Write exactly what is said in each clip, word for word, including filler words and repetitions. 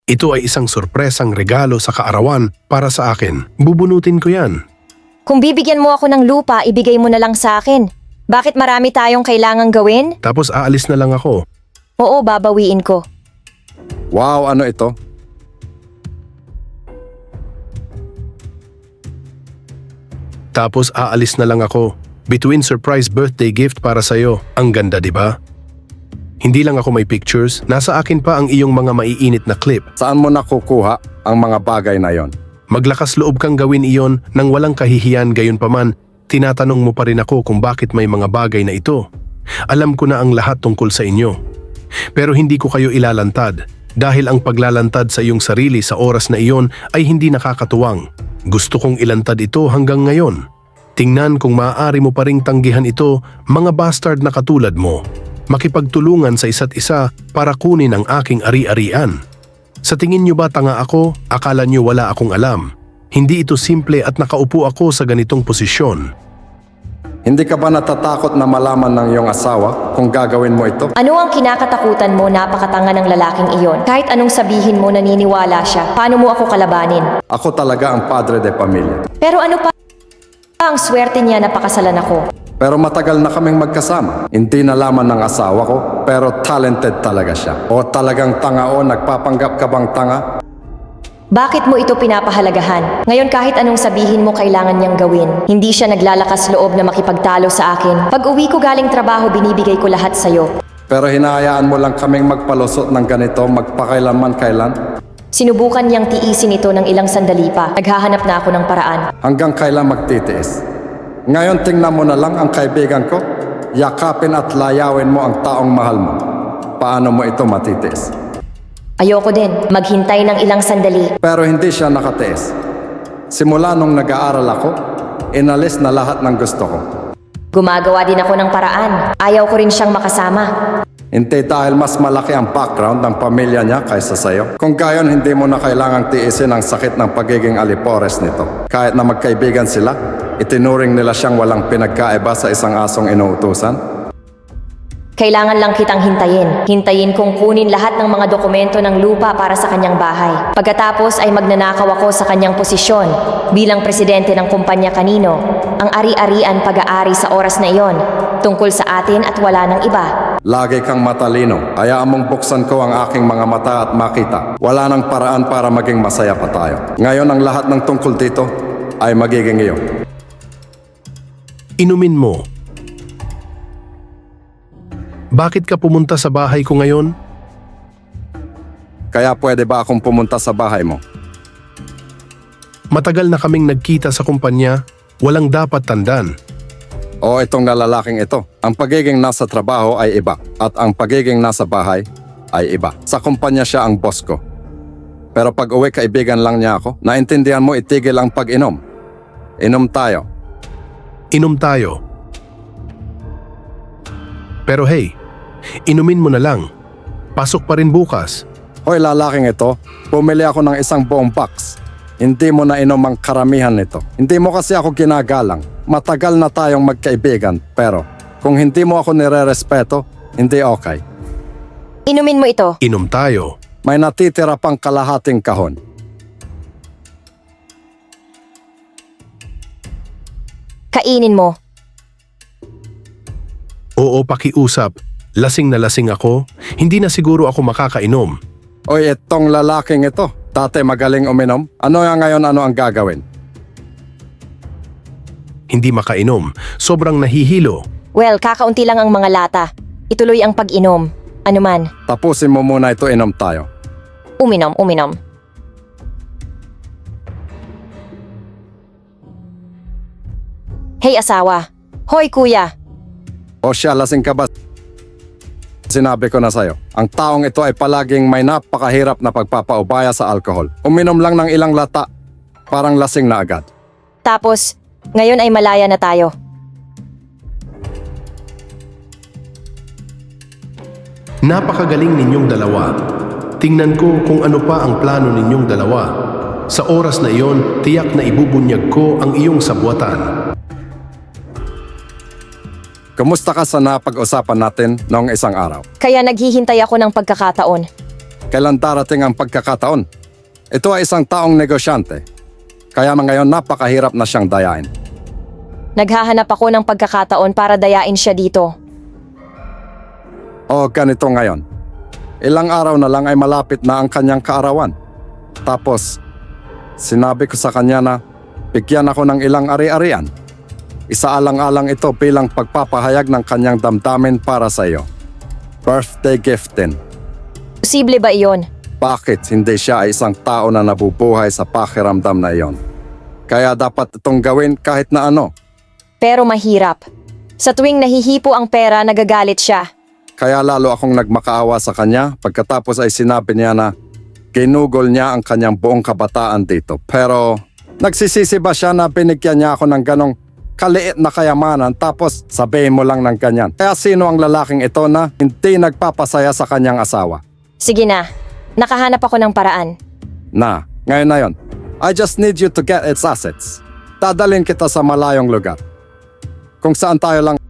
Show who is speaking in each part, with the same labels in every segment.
Speaker 1: Ito ay isang sorpresang regalo sa kaarawan para sa akin. Bubunutin ko yan.
Speaker 2: Kung bibigyan mo ako ng lupa, ibigay mo na lang sa akin. Bakit marami tayong kailangang gawin?
Speaker 1: Tapos aalis na lang ako.
Speaker 2: Oo, babawiin ko.
Speaker 3: Wow, ano ito?
Speaker 1: Tapos aalis na lang ako. Between surprise birthday gift para sa'yo. Ang ganda, di ba? Hindi lang ako may pictures, nasa akin pa ang iyong mga maiinit na clip.
Speaker 3: Saan mo nakukuha ang mga bagay na yon?
Speaker 1: Maglakas loob kang gawin iyon nang walang kahihiyan, gayon paman, tinatanong mo pa rin ako kung bakit may mga bagay na ito. Alam ko na ang lahat tungkol sa inyo. Pero hindi ko kayo ilalantad dahil ang paglalantad sa iyong sarili sa oras na iyon ay hindi nakakatuwang. Gusto kong ilantad ito hanggang ngayon. Tingnan kung maaari mo pa ring tanggihan ito, mga bastard na katulad mo. Makipagtulungan sa isa't isa para kunin ang aking ari-arian. Sa tingin niyo ba tanga ako? Akala niyo wala akong alam. Hindi ito simple at nakaupo ako sa ganitong posisyon.
Speaker 3: Hindi ka ba natatakot na malaman ng iyong asawa kung gagawin mo ito?
Speaker 2: Ano ang kinakatakutan mo, napakatanga ng lalaking iyon? Kahit anong sabihin mo, naniniwala siya. Paano mo ako kalabanin?
Speaker 3: Ako talaga ang padre de pamilya.
Speaker 2: Pero ano pa ang swerte niya na pakasalan ako?
Speaker 3: Pero matagal na kaming magkasama. Hindi nalaman ng asawa ko, pero talented talaga siya. O talagang tanga o nagpapanggap ka bang tanga?
Speaker 2: Bakit mo ito pinapahalagahan? Ngayon kahit anong sabihin mo kailangan niyang gawin. Hindi siya naglalakas loob na makipagtalo sa akin. Pag uwi ko galing trabaho, binibigay ko lahat sa'yo.
Speaker 3: Pero hinahayaan mo lang kaming magpalusot ng ganito magpakailanman kailan?
Speaker 2: Sinubukan niyang tiisin ito ng ilang sandali pa. Naghahanap na ako ng paraan.
Speaker 3: Hanggang kailan magtitiis? Ngayon tingnan mo na lang ang kaibigan ko. Yakapin at layawin mo ang taong mahal mo. Paano mo ito matitiis?
Speaker 2: Ayoko din. Maghintay ng ilang sandali.
Speaker 3: Pero hindi siya nakatiis. Simula nung nag-aaral ako, inalis na lahat ng gusto ko.
Speaker 2: Gumagawa din ako ng paraan. Ayaw ko rin siyang makasama.
Speaker 3: Hindi dahil mas malaki ang background ng pamilya niya kaysa sa'yo. Kung gayon, hindi mo na kailangang tiisin ang sakit ng pagiging alipores nito. Kahit na magkaibigan sila, itinuring nila siyang walang pinagkaiba sa isang asong inuutusan.
Speaker 2: Kailangan lang kitang hintayin. Hintayin kong kunin lahat ng mga dokumento ng lupa para sa kanyang bahay. Pagkatapos ay magnanakaw ako sa kanyang posisyon bilang presidente ng kumpanya kanino. Ang ari-arian pag-aari sa oras na iyon, tungkol sa atin at wala ng iba.
Speaker 3: Lagi kang matalino. Hayaan mong buksan ko ang aking mga mata at makita. Wala nang paraan para maging masaya pa tayo. Ngayon ang lahat ng tungkol dito ay magiging iyo.
Speaker 1: Inumin mo. Bakit ka pumunta sa bahay ko ngayon?
Speaker 3: Kaya pwede ba akong pumunta sa bahay mo?
Speaker 1: Matagal na kaming nagkita sa kumpanya, walang dapat tandan.
Speaker 3: O itong lalaking ito. Ang pagiging nasa trabaho ay iba at ang pagiging nasa bahay ay iba. Sa kumpanya siya ang boss ko. Pero pag uwi kaibigan lang niya ako, naintindihan mo itigil ang pag-inom. Inom tayo.
Speaker 1: Inom tayo. Pero hey, inumin mo na lang. Pasok pa rin bukas.
Speaker 3: Hoy lalaking ito, bumili ako ng isang buong box. Hindi mo na inom ang karamihan nito. Hindi mo kasi ako ginagalang. Matagal na tayong magkaibigan, pero kung hindi mo ako nire-respeto, hindi okay.
Speaker 2: Inumin mo ito.
Speaker 1: Inom tayo.
Speaker 3: May natitira pang kalahating kahon.
Speaker 2: Kainin mo.
Speaker 1: Oo, pakiusap. Lasing na lasing ako. Hindi na siguro ako makakainom.
Speaker 3: Oy, itong lalaking ito. Dati magaling uminom. Ano nga ngayon ano ang gagawin?
Speaker 1: Hindi makainom. Sobrang nahihilo.
Speaker 2: Well, kakaunti lang ang mga lata. Ituloy ang pag-inom. Ano man.
Speaker 3: Tapusin mo muna ito, inom tayo.
Speaker 2: Uminom, uminom. Hey asawa. Hoy kuya.
Speaker 3: O siya, lasing ka ba? Sinabi ko na sa'yo, ang taong ito ay palaging may napakahirap na pagpapaubaya sa alkohol. Uminom lang ng ilang lata, parang lasing na agad.
Speaker 2: Tapos, ngayon ay malaya na tayo.
Speaker 1: Napakagaling ninyong dalawa. Tingnan ko kung ano pa ang plano ninyong dalawa. Sa oras na iyon, tiyak na ibubunyag ko ang iyong sabwatan.
Speaker 3: Kumusta ka sa napag-usapan natin noong isang araw?
Speaker 2: Kaya naghihintay ako ng pagkakataon.
Speaker 3: kailan darating ang pagkakataon. Ito ay isang taong negosyante. Kaya ngayon napakahirap na siyang dayain.
Speaker 2: Naghahanap ako ng pagkakataon para dayain siya dito.
Speaker 3: O ganito ngayon. Ilang araw na lang ay malapit na ang kanyang kaarawan. Tapos, sinabi ko sa kanya na bigyan ako ng ilang ari-arian. Isaalang-alang ito bilang pagpapahayag ng kanyang damdamin para sa iyo. Birthday gift din.
Speaker 2: Posible ba iyon?
Speaker 3: Bakit hindi siya ay isang tao na nabubuhay sa pakiramdam na iyon? Kaya dapat itong gawin kahit na ano.
Speaker 2: Pero mahirap. Sa tuwing nahihipo ang pera, nagagalit siya.
Speaker 3: Kaya lalo akong nagmakaawa sa kanya pagkatapos ay sinabi niya na ginugol niya ang kanyang buong kabataan dito. Pero nagsisisi ba siya na binigyan niya ako ng ganong kaliit na kayamanan tapos sabihin mo lang ng ganyan? Kaya sino ang lalaking ito na hindi nagpapasaya sa kanyang asawa?
Speaker 2: Sige na. Nakahanap ako ng paraan.
Speaker 3: Na, ngayon na yon. I just need you to get its assets. Dadalhin kita sa malayong lugar. Kung saan tayo lang.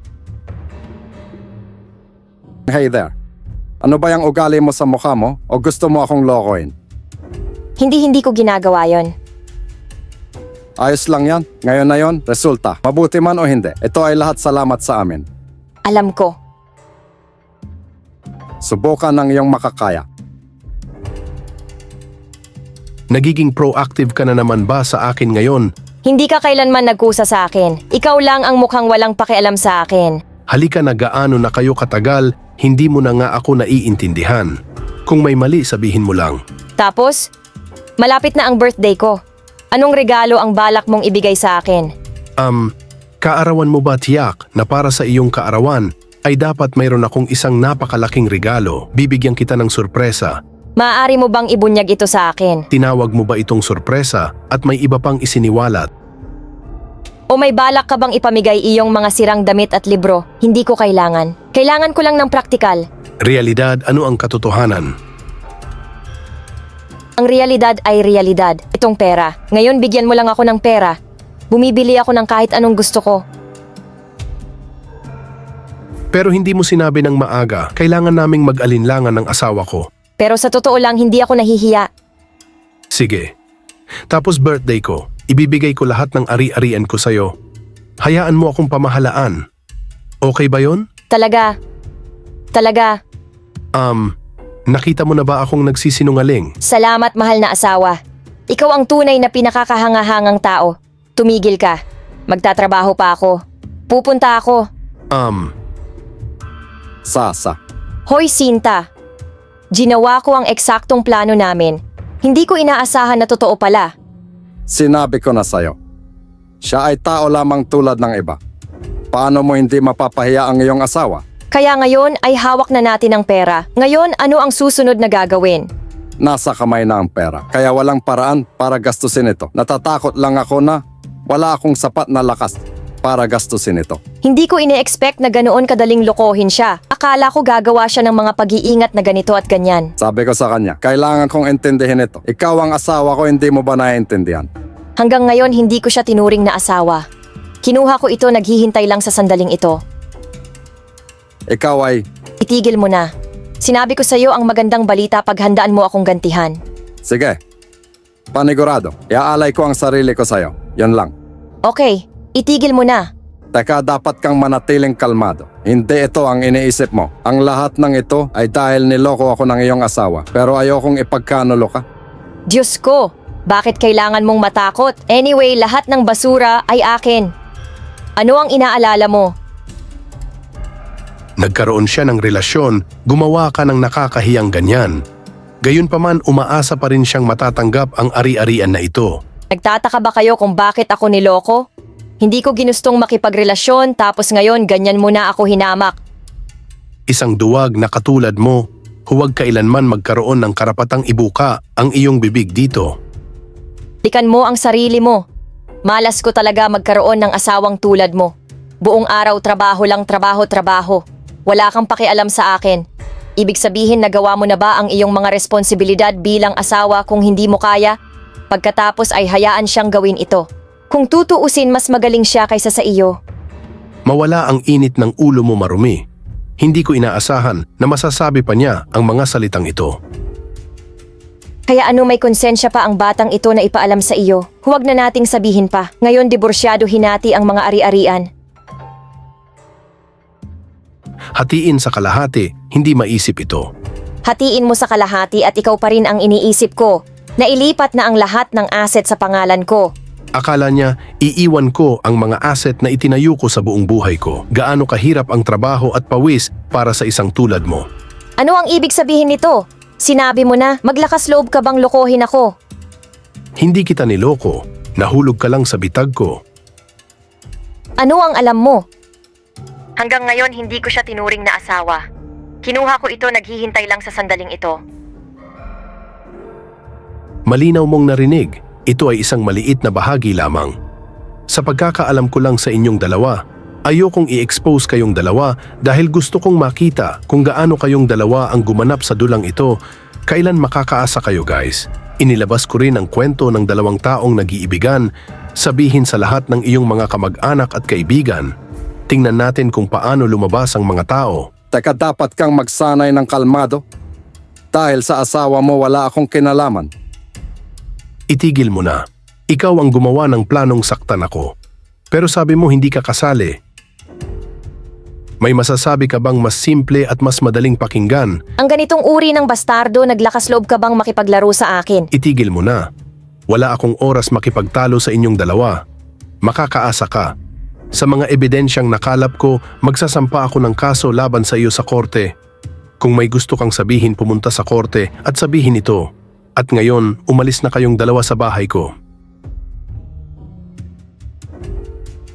Speaker 3: Hey there. Ano ba yung ugali mo sa mukha mo o gusto mo akong lokohin?
Speaker 2: Hindi-hindi ko ginagawa yon.
Speaker 3: Ayos lang yan. Ngayon na yon, resulta. Mabuti man o hindi, ito ay lahat salamat sa amin.
Speaker 2: Alam ko.
Speaker 3: Subukan ng iyong makakaya.
Speaker 1: Nagiging proactive ka na naman ba sa akin ngayon?
Speaker 2: Hindi ka kailanman nagkusa sa akin. Ikaw lang ang mukhang walang pakialam sa akin.
Speaker 1: Halika na, gaano na kayo katagal, hindi mo na nga ako naiintindihan. Kung may mali, sabihin mo lang.
Speaker 2: Tapos, malapit na ang birthday ko. Anong regalo ang balak mong ibigay sa akin?
Speaker 1: Um, kaarawan mo ba tiyak na para sa iyong kaarawan ay dapat mayroon akong isang napakalaking regalo? Bibigyan kita ng sorpresa.
Speaker 2: Maaari mo bang ibunyag ito sa akin?
Speaker 1: Tinawag mo ba itong sorpresa at may iba pang isiniwalat?
Speaker 2: O may balak ka bang ipamigay iyong mga sirang damit at libro? Hindi ko kailangan. Kailangan ko lang ng praktikal.
Speaker 1: Realidad, ano ang katotohanan?
Speaker 2: Ang realidad ay realidad. Itong pera. Ngayon bigyan mo lang ako ng pera. Bumibili ako ng kahit anong gusto ko.
Speaker 1: Pero hindi mo sinabi ng maaga, kailangan naming mag-alinlangan ng asawa ko.
Speaker 2: Pero sa totoo lang, hindi ako nahihiya.
Speaker 1: Sige. Tapos birthday ko, ibibigay ko lahat ng ari-arian ko sa'yo. Hayaan mo akong pamahalaan. Okay ba yon?
Speaker 2: Talaga. Talaga.
Speaker 1: Um, nakita mo na ba akong nagsisinungaling?
Speaker 2: Salamat, mahal na asawa. Ikaw ang tunay na pinakakahangahangang tao. Tumigil ka. Magtatrabaho pa ako. Pupunta ako.
Speaker 1: Um,
Speaker 3: Sasa.
Speaker 2: Hoy, Sinta. Ginawa ko ang eksaktong plano namin. Hindi ko inaasahan na totoo pala.
Speaker 3: Sinabi ko na sa'yo. Siya ay tao lamang tulad ng iba. Paano mo hindi mapapahiya ang iyong asawa?
Speaker 2: Kaya ngayon ay hawak na natin ang pera. Ngayon, ano ang susunod na gagawin?
Speaker 3: Nasa kamay na ang pera. Kaya walang paraan para gastusin ito. Natatakot lang ako na wala akong sapat na lakas para gastusin ito.
Speaker 2: Hindi ko ine-expect na ganoon kadaling lokohin siya. Akala ko gagawa siya ng mga pag-iingat na ganito at ganyan.
Speaker 3: Sabi ko sa kanya, kailangan kong intindihin ito. Ikaw ang asawa ko, hindi mo ba naiintindihan?
Speaker 2: Hanggang ngayon, hindi ko siya tinuring na asawa. Kinuha ko ito, naghihintay lang sa sandaling ito.
Speaker 3: Ikaw ay,
Speaker 2: Itigil mo na. Sinabi ko sa iyo ang magandang balita, paghandaan mo akong gantihan.
Speaker 3: sige, panigurado. Iaalay ko ang sarili ko sa'yo. Yan lang.
Speaker 2: Okay, itigil mo na.
Speaker 3: Teka, dapat kang manatiling kalmado. Hindi ito ang iniisip mo. Ang lahat ng ito ay dahil niloko ako ng iyong asawa. Pero ayokong ipagkanulo ka.
Speaker 2: Diyos ko, bakit kailangan mong matakot? Anyway, lahat ng basura ay akin. Ano ang inaalala mo?
Speaker 1: nagkaroon siya ng relasyon, gumawa ka ng nakakahiyang ganyan. Gayunpaman, umaasa pa rin siyang matatanggap ang ari-arian na ito.
Speaker 2: Nagtataka ba kayo kung bakit ako niloko? Hindi ko ginustong makipagrelasyon tapos ngayon ganyan mo na ako hinamak.
Speaker 1: Isang duwag na katulad mo, huwag kailanman magkaroon ng karapatang ibuka ang iyong bibig dito.
Speaker 2: Tikan mo ang sarili mo. Malas ko talaga magkaroon ng asawang tulad mo. Buong araw trabaho lang trabaho trabaho. Wala kang pakialam sa akin. Ibig sabihin nagawa mo na ba ang iyong mga responsibilidad bilang asawa kung hindi mo kaya? Pagkatapos ay hayaan siyang gawin ito. Kung tutuusin, mas magaling siya kaysa sa iyo.
Speaker 1: Mawala ang init ng ulo mo, marumi. Hindi ko inaasahan na masasabi pa niya ang mga salitang ito.
Speaker 2: Kaya ano may konsensya pa ang batang ito na ipaalam sa iyo? Huwag na nating sabihin pa. Ngayon diborsyado hinati ang mga ari-arian.
Speaker 1: Hatiin sa kalahati, hindi maisip ito.
Speaker 2: Hatiin mo sa kalahati at ikaw pa rin ang iniisip ko. Nailipat na ang lahat ng asset sa pangalan ko.
Speaker 1: Akala niya, iiwan ko ang mga asset na itinayo ko sa buong buhay ko. Gaano kahirap ang trabaho at pawis para sa isang tulad mo.
Speaker 2: Ano ang ibig sabihin nito? Sinabi mo na, maglakas loob ka bang lokohin ako?
Speaker 1: Hindi kita niloko. Nahulog ka lang sa bitag ko.
Speaker 2: Ano ang alam mo? Hanggang ngayon hindi ko siya tinuring na asawa. Kinuha ko ito naghihintay lang sa sandaling ito.
Speaker 1: Malinaw mong narinig, ito ay isang maliit na bahagi lamang. Sa pagkakaalam ko lang sa inyong dalawa, ayokong i-expose kayong dalawa dahil gusto kong makita kung gaano kayong dalawa ang gumanap sa dulang ito. Kailan makakaasa kayo guys? Inilabas ko rin ang kwento ng dalawang taong nag-iibigan, sabihin sa lahat ng iyong mga kamag-anak at kaibigan. Tingnan natin kung paano lumabas ang mga tao.
Speaker 3: Teka, dapat kang magsanay ng kalmado. Dahil sa asawa mo wala akong kinalaman.
Speaker 1: Itigil mo na. Ikaw ang gumawa ng planong saktan ako. Pero sabi mo hindi ka kasali. May masasabi ka bang mas simple at mas madaling pakinggan?
Speaker 2: Ang ganitong uri ng bastardo, naglakas loob ka bang makipaglaro sa akin?
Speaker 1: Itigil mo na. Wala akong oras makipagtalo sa inyong dalawa. Makakaasa ka. Sa mga ebidensyang nakalap ko, magsasampa ako ng kaso laban sa iyo sa korte. Kung may gusto kang sabihin, pumunta sa korte at sabihin ito. At ngayon, umalis na kayong dalawa sa bahay ko.